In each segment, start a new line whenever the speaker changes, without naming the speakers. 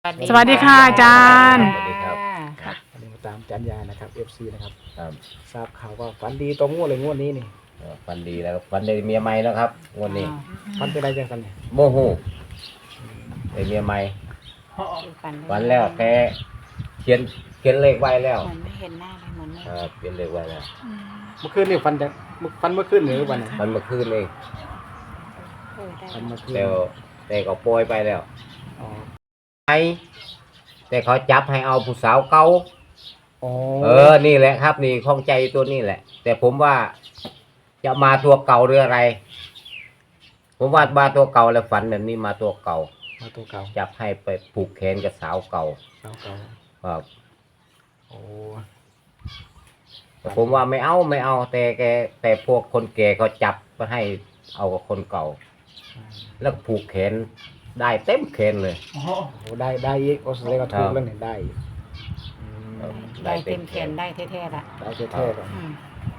สวัสดีค่ะอาจารย์
สวัสดีครับ
วันนี้มาตามอาจารย์ยานะครับ FC นะครับ
ครับ
ทราบข่าวว่าฝันดีตรงงวดเลยงวดนี้นี่
ฟันดีแล้วฟันได้เมียใหม่แล้วครับงวดนี้
ฝันเป็นไรจังกันเนี่ย
โมโหได้เมียใหม่ฟันแล้วแกเขียนเลขไว้แล้ว
เหมือนไม่เห็นหน้าเลยเหมือนไม่
เขียนเลขไว้แล้ว
เมื่อคืนนี่ฝันจังฝันเมื่อคืนหรือวันไหน
มันเมื่อคืนเอง
ได้
ฝันเมื่อคืน
แต่ก็ปล่อยไปแล้ว
อ๋อ
ไอ้แต่เขาจับให้เอาผู้สาวเก่า
อ๋อ
นี่แหละครับ นี่ข้องใจตัวนี้แหละ แต่ผมว่าจะมาตัวเก่าหรืออะไร ผมว่ามาตัวเก่าแล้วฝันแบบนี้มาตัวเก่า
มาตัวเก่า
จับให้ไปผูกแขนกับสาวเก่า
เก่าเก่า
ครับ
โอ้
แต่ผมว่าไม่เอาแต่พวกคนแก่เขาจับมาให้เอากับคนเก่า แล้วผูกแขนได้เต็มแขนเลย
โหได้อีกโอ้แสดงว่าถูกแล้วเนี่ยได้อีกอืม
ได้เต็มแขนได้แท้ๆละ
ได้แท้ๆเลย
อืม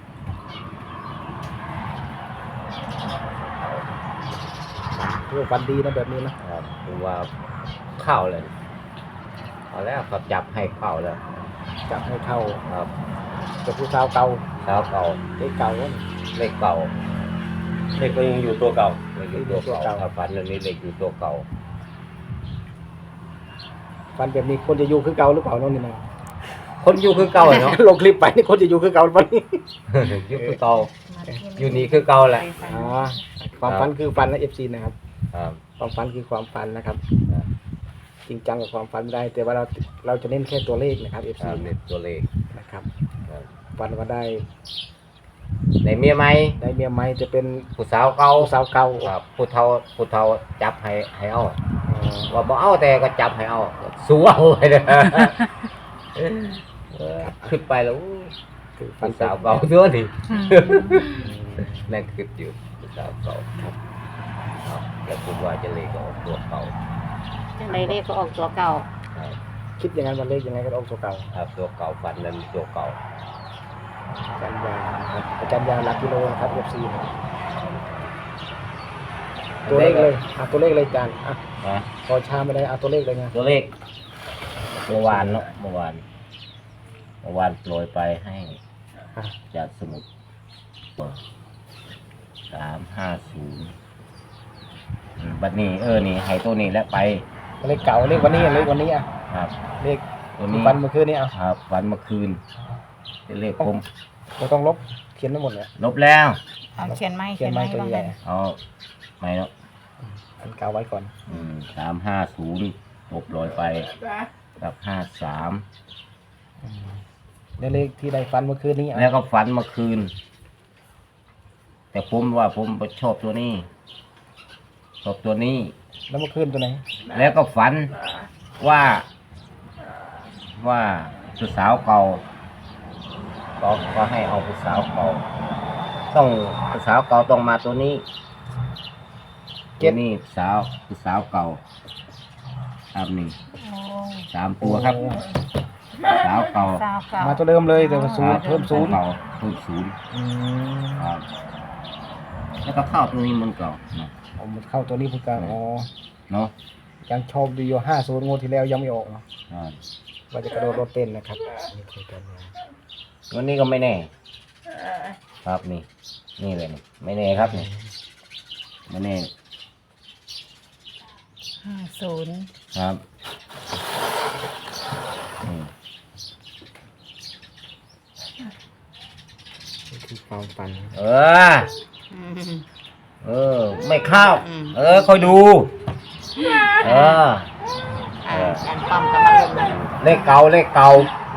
เพื่อฝันดีนะแบบนี้นะครับ
ผมว่าเข้าเลยเอาแล้วเขาจับให้เข้าแล้ว
จับให้เข้า
ครับ
จะผู้สาวเก่า
สาวเก่า
เด็กเก่าวะ
เลขเก่า
เด็กก็ยังอยู่ตัวเก่า
เลขอยู่ตัวเก่าถ้าฝันเรื่องนี้เลขอยู่ตัวเก่า
ฝันแบบนี้คนจะอยู่คือเก่าหรือเปล่าน้องนี่นะ
คนอยู่คือเก่าเนาะ
ลงคลิปไปนี่คนจะอยู่คือเก่าวันนี้
อยู่คือเก่าอยู่นี่คือเก่าแหละ
อ๋อความฝันคือฝันนะ FC นะครับ
ครับ
ความฝันคือความฝันนะครับ
ครับ
จริงจังกับความฝันไม่ได้ แต่ว่าเราจะเน้นแค่ตัวเลขนะครับ FC
ครับเลขตัวเลข
นะครับ
ครับ
ฝันว่าได้
ในเมียไหม
ได้เมียใหม่จะเป็น
ผู้สาวเก่า
ผู้สาวเก่า
ครับผู้เฒ่าจับให้เอา
อ๋อ
ว่าบ่เอาแต่ก็จับให้เอาสู้เอาไปเลยขึ้นไปแล้ว
คือฝัน
ผู้สาวเก่าเนื้อนี่
อืม
นั่นคืออยู่ผู้สาวเก่าครับแล้วผมว่าจะเลยก็ออกตัวเก่า
จังไรเลขก็ออกตัวเก่า
ครับ
คิดอย่างนั้นวันเลขยังไงก็ต้องตัวเก่า
ครับตัวเก่าฟันนั้นตัวเก่า
อาจารย์ยานะครับอาจารย์ยาหลักกิโลนะครับ FC นะครับตัวเลขเลยตัวเลขเลยอาจารย์
ฮะ
พอชาไม่ได้ตัวเลขเลยไง
ตัวเลขเมื่อวานเนาะเมื่อวานโปรยไปให้
อ่ะ
จากสมุด350บัดนี้นี่ให้ตัวนี้แล้วไป
เลขเก่าเลขวันนี้เลขวันนี้อ่ะ
ครับ
เลข
ตัวนี้
ฝันเมื่อคืนนี้อ่ะ
ครับวันเมื่อคืนเป็นเลขผม
เราต้องลบเขียนทั้งหมดเลย
ลบแล้ว
เอาเขียนไหม
เขียนไม้ตัว
บ้าง
ใหญ่
ไหม
เอาไม่เนาะ
อันเก่าไว้ก่อน
350ลบร้อยไปกับ53
แล้วเลขที่ได้ฟันเมื่อคืนนี้อ่ะ
แล้วก็ฝันเมื่อคืน แต่ผมว่าผมชอบตัวนี้ ชอบตัวนี้
แล้วเมื่อคืนตัวไหน
แล้วก็ฝันว่าผู้สาวเก่าก็ให้เอาผู้สาวเก่าต้องผู้สาวเก่าต้องมาตัวนี้ตัวนี้ผู้สาวเก่าครับนี่
โอ้
3 ตัวครับสาวเก่า
สาวเก่า
มาตัวเดิมเลยแต่ว่าศูนย์เพิ่มศูนย์
เก่าเพิ่มศูนย์
อืม
ครับแล้วก็เข้าตัวนี้มันเก่าเนาะ
เอามันเข้าตัวนี้พูดกันอ๋อ
เนาะ
ยังชอบดีอยู่50งวดที่แล้วยังไม่ออกเนาะ
อ่า
ว่าจะกระโดดรถเต้นนะครับนี่คือกันนะ
วันนี้ก็ไม่แน่ ครับนี่เลยนี่ไม่แน่ครับนี่ไม่แน่
50
ครับอืม
นี่คือความฝัน
เออ
อืม
ไม่เข้า
อืม
คอยดู
การป้อมกำลังลง
เลขเก่า
เลขเก่า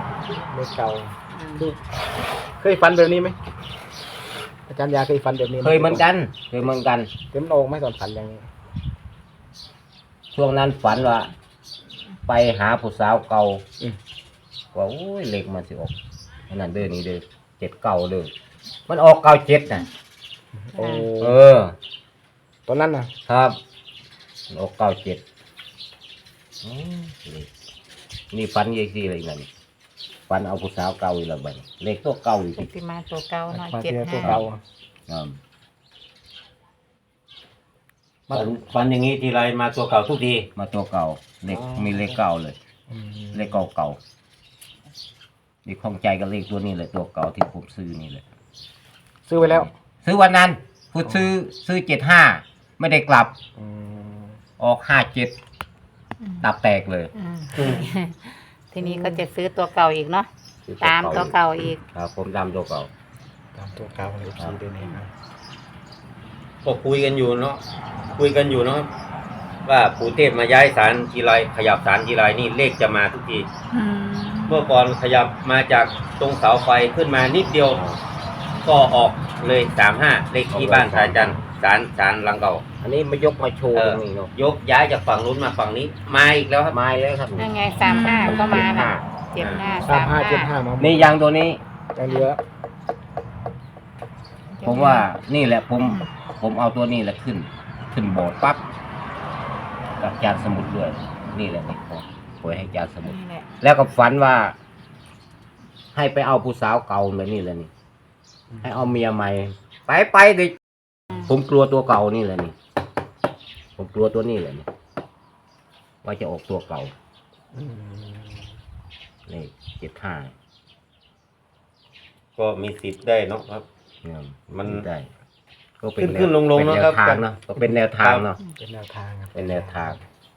คือเคยฝันแบบนี้ไหมอาจารย์ยาเคยฝันแบบนี้ไห
เคยเหมือนกัน
เต็มโอกไหม่ตอนฝันอย่างนี้
ช่วงนั้นฝันว่า ไปหาผู้สาวเก่า
อืม
ว่าโอ้ยเลขมันสิออกอันนั้นเด้อนี่เด้อ79เด้อมันออก97น่ะ
โอ้ ตอนนั้นนะครับ
ออก97นี่ฝันยี่สิเลยนั่นฝันเอาผู้สาวเก่าอีกแล้วบัดนี้เลขตัวเก่าอีก
ปฏิมาตัวเก่าหน่อย
มาเจอตัวเก่า
ครับ
ฝันอย่างนี้ทีไรมาตัวเก่าทุกที
มาตัวเก่าเลขมีเลขเก้าเลย
อืม
เลขเก่าๆนี่ข้องใจกับเลขตัวนี้เลยตัวเก่าที่ผมซื้อนี่เลย
ซื้อไว้แล้ว
ซื้อวันนั้นพูดซื้อ75ไม่ได้กลับ
อืม
ออก57ตับแตกเลย
ทีนี้ก็จะซื้อตัวเก่าอีกเนาะตามตัวเก่าอีก
ครับผมตามตัวเก่า
ตามตัวเก่าเลย FC ด้วยนี่ครับ
ก็คุยกันอยู่เนาะว่าปู่เทพมาย้ายศาลทีไรขยับศาลทีไรนี่เลขจะมาทุกที เมื่อก่อนขยับมาจากตรงเสาไฟขึ้นมานิดเดียว ก็ออกเลย35เลขที่บ้านสายจันทร์ศาลหลังเก่า
อันนี้มายกมาโชว์ตรงนี้เนาะ
ยกย้ายจากฝั่งนู้นมาฝั่งนี้มาอีกแล้วครับ
มาแล้วครับ
นั่นไง35ก็มาน่ะ75
35 มา
นี่ยางตัวนี้
ยังเหลือ
ผมว่านี่แหละผมเอาตัวนี้แหละขึ้นโบสถ์ปั๊บกับจานสมุดด้วยนี่แหละนี่ผมปล่อยให้จานสมุด
นี่แหละ
แล้วก็ฝันว่า ให้ไปเอาผู้สาวเก่าเลยนี่แหละนี่ ให้เอาเมียใหม่ ไปดิผมกลัวตัวเก่านี่แหละนี่ ผมกลัวตัวนี้แหละนี่ว่าจะออกตัวเก่า
อืม
นี่75
ก็มีสิทธิ์ได้เนาะครับ
เนี่ย
มัน
ได้ก็เป็น
ขึ้นๆลงๆ
เป็น
เนอะ
แน
ครั
ว
บ
ทางเนาะก็เป็นแนวทางเนาะ
เป็นแนวทางครับ
เป็นแนวทาง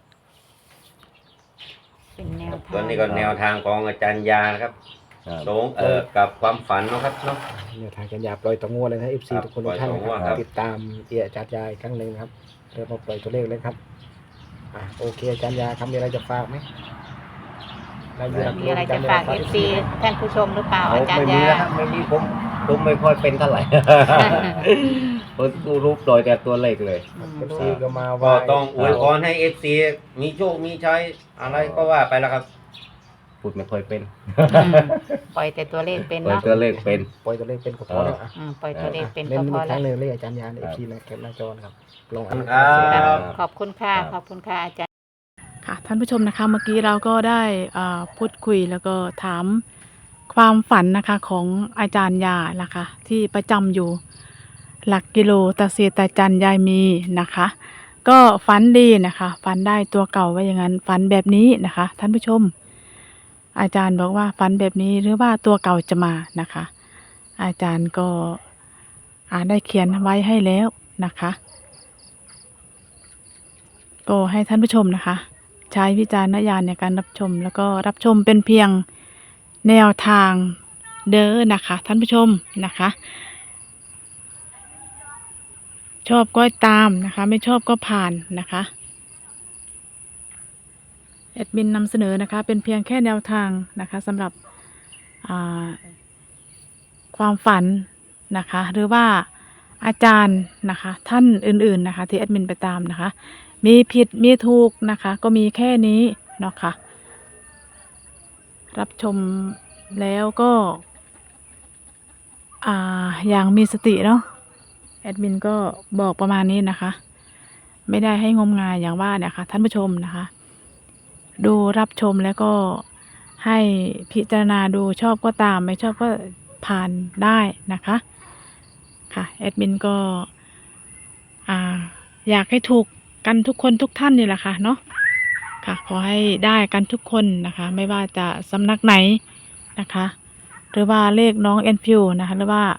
เป็นแนวทาง
ตอนนี้ก็แนวทางของอาจารย์ยานะครับ
ครับ
ตรงกับความฝันเนาะครับเนาะ
แนวทางกันยาปล่อยตัวงัวเลยนะ FC
ครับ
ทุกคนทุกท่าน
ปล่อยตัวงัว
นะค
ครั
รับบ ติดตามอาจารย์ยาอีกครั้งหนึ่งนะครับเริ่มมาปล่อยตัวเลขเลยครับโอเคอาจารย์ยาครับมีอะไรจะฝากไหม
มีอะไรจะฝาก FC ท่านผู้ชมหรือเปล่าอาจารย์
ไม่มี
ยา
แล้วครับไม่มีผมไม่ค่อยเป็นเท่าไหร่ ผมดูรูปโดยแต่ตัวเลขเลย
FC ก็มา
ก็
ว่า
ต้องอวยพรให้ FC มีโชคมีชัยอะไรก็ว่าไปแล้วครับ
พูดไม่ค่อยเป็น
ปล่อยแต่ตัวเลขเป็น
โดย
เนาะ
ตัวเลขเป็น
ปล่อยตัวเลขเป็นก็พอแล้วอ่ะ
ปล่อยตัวเลขเป็น
เล่น
ก็พ
อี
อก
ค
แล้
รั้
ว
งหนึ่งเลยอาจารย์ยาใน FC นะเก็บหน้าจอนะครับลงอัน
ครับ
ขอบคุณค่ะขอบคุณค่ะอาจารย์
ค่ะท่านผู้ชมนะคะเมื่อกี้เราก็ได้พูดคุยแล้วก็ถามความฝันนะคะของอาจารย์ยานะคะที่ประจำอยู่หลักกิโลตาเสียตาจันยายมีนะคะ ก็ฝันดีนะคะฝันได้ตัวเก่าไว้อย่างนั้นฝันแบบนี้นะคะท่านผู้ชม อาจารย์บอกว่าฝันแบบนี้หรือว่าตัวเก่าจะมานะคะ อาจารย์ก็ได้เขียนไว้ให้แล้วนะคะ ก็ให้ท่านผู้ชมนะคะ ใช้วิจารณญาณในการรับชมแล้วก็รับชมเป็นเพียงแนวทางเด้อนะคะท่านผู้ชมนะคะ ชอบก็ตามนะคะไม่ชอบก็ผ่านนะคะแอดมินนำเสนอนะคะเป็นเพียงแค่แนวทางนะคะสำหรับความฝันนะคะหรือว่าอาจารย์นะคะท่านอื่นๆนะคะที่แอดมินไปตามนะคะมีผิดมีถูกนะคะก็มีแค่นี้เนาะค่ะรับชมแล้วก็อย่างมีสติเนาะแอดมินก็บอกประมาณนี้นะคะไม่ได้ให้งมงายอย่างว่าเนี่ยค่ะท่านผู้ชมนะคะดูรับชมแล้วก็ให้พิจารณาดูชอบก็ตามไม่ชอบก็ผ่านได้นะคะค่ะแอดมินก็อยากให้ถูกกันทุกคนทุกท่านนี่แหละค่ะเนาะค่ะขอให้ได้กันทุกคนนะคะไม่ว่าจะสำนักไหนนะคะหรือว่าเลขน้องแอนฟิวนะคะหรือว่า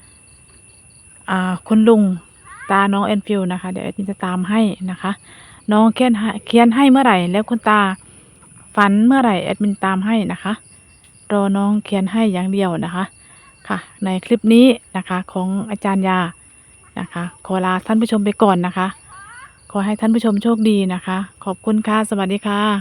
คุณลุงตาน้องแอนฟิวนะคะเดี๋ยวแอดมินจะตามให้นะคะน้องเขียนให้เมื่อไหร่แล้วคุณตาฝันเมื่อไหร่แอดมินตามให้นะคะรอน้องเขียนให้อย่างเดียวนะคะค่ะในคลิปนี้นะคะของอาจารย์ยานะคะขอลาท่านผู้ชมไปก่อนนะคะขอให้ท่านผู้ชมโชคดีนะคะขอบคุณค่ะสวัสดีค่ะ